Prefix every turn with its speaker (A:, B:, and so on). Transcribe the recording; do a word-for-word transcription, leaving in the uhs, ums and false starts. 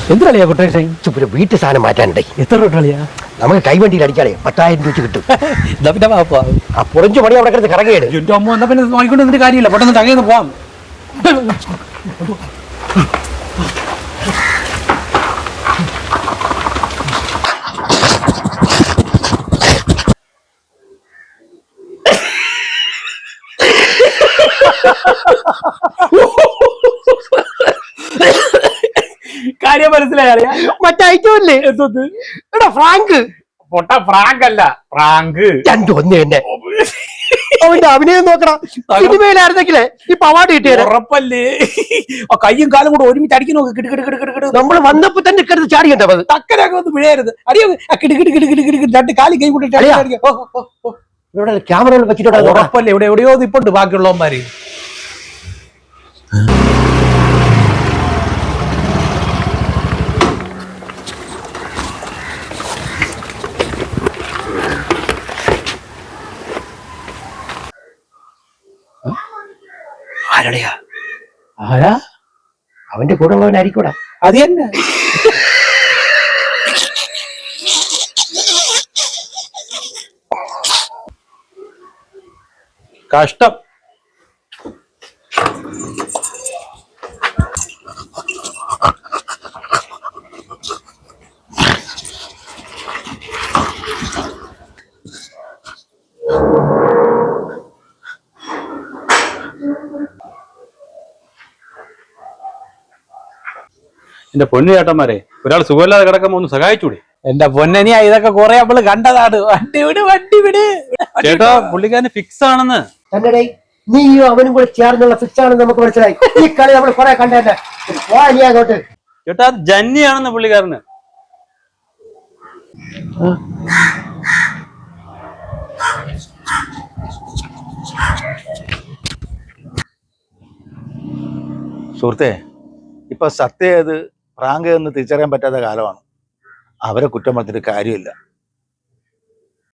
A: എന്തിനാളിയാ quotation?
B: ചുപ്പിന് വീട്ടു സാധനം മാറ്റാനുണ്ടേ.
A: എത്ര തൊട്ടാളിയാ?
B: നമുക്ക് കൈവണ്ടിയിൽ അടിച്ചാലേ പത്തായിരം രൂപ കിട്ടും.
A: എന്നാ പിന്നെ വാപ്പാ.
B: ആ പുറഞ്ചു പണി അവിടെ കിടന്ന് കറങ്ങിയാണ്.
A: എന്റെ അമ്മ എന്നാ പിന്നെ നോക്കിക്കൊണ്ട് നിന്നിട്ട് കാര്യമില്ല, പെട്ടെന്ന് തകയെന്ന് പോവാം. കാര്യം മനസ്സിലായ
B: മറ്റേ ഐറ്റമല്ലേ എടാ ഫ്രാങ്ക്?
A: പൊട്ട ഫ്രാങ്ക് അല്ല, ഫ്രാങ്ക്
B: രണ്ടും ഒന്ന് തന്നെ. അവന്റെ അഭിനയം നോക്കണം. സിനിമയിലായിരുന്നെങ്കിലേ ഈ പവാട് കിട്ടിയത്
A: ഉറപ്പല്ലേ. കയ്യും കാലും കൂടെ ഒരുമിച്ച് അടിക്കുന്നു നോക്ക്. കിടു കിടു കിടു കിടു.
B: നമ്മൾ വന്നപ്പോ തന്നെ കിടന്ന് ചാടിക്കണ്ടത്.
A: തക്കനൊക്കെ ഒന്ന് പിഴയരുത്. അറിയോ? കിടു കിടു കിടു കിടു കിടു രണ്ട് കാലി കൈ കൂട്ടി
B: ഇവിടെ ക്യാമറ വെച്ചിട്ടുണ്ട്.
A: ഉറപ്പല്ലേ, ഇവിടെ എവിടെയോ ഇപ്പോണ്ട് ബാക്കിയുള്ളവന്മാര്.
B: ആരടയാ?
A: ആരാ?
B: അവന്റെ കൂടെ ഉള്ളവനായിരിക്കൂടാ.
A: അത് തന്നെ. കഷ്ടം.
C: എന്റെ പൊന്നു ചേട്ടന്മാരെ, ഒരാൾ സുഖമില്ലാതെ കിടക്കുമ്പോ ഒന്ന് സഹായിച്ചൂടെ?
A: എന്റെ പൊന്നനിയാ, ഇതൊക്കെ കുറെ നമ്മള് കണ്ടതാണ്. വണ്ടി വിട്, വണ്ടി വിട്.
C: ചേട്ടാ, പുള്ളിക്കാരന് ഫിക്സ് ആണെന്ന്.
B: തന്നെ നീയും അവനും കൂടെ ചേർന്നുള്ള ഫിക്സ് ആണെന്ന് നമുക്ക് മനസ്സിലായി. ഈ കളി നമ്മൾ കുറെ കണ്ടതന്നെ. അങ്ങോട്ട്
C: ചേട്ടാ, ജന്നിയാണെന്ന് പുള്ളിക്കാരന്.
D: സുഹൃത്തെ, ഇപ്പൊ സത്യം ഏത് പ്രാങ്ക് എന്ന് തിരിച്ചറിയാൻ പറ്റാത്ത കാലമാണ്. അവരെ കുറ്റം പറഞ്ഞിട്ട് കാര്യമില്ല.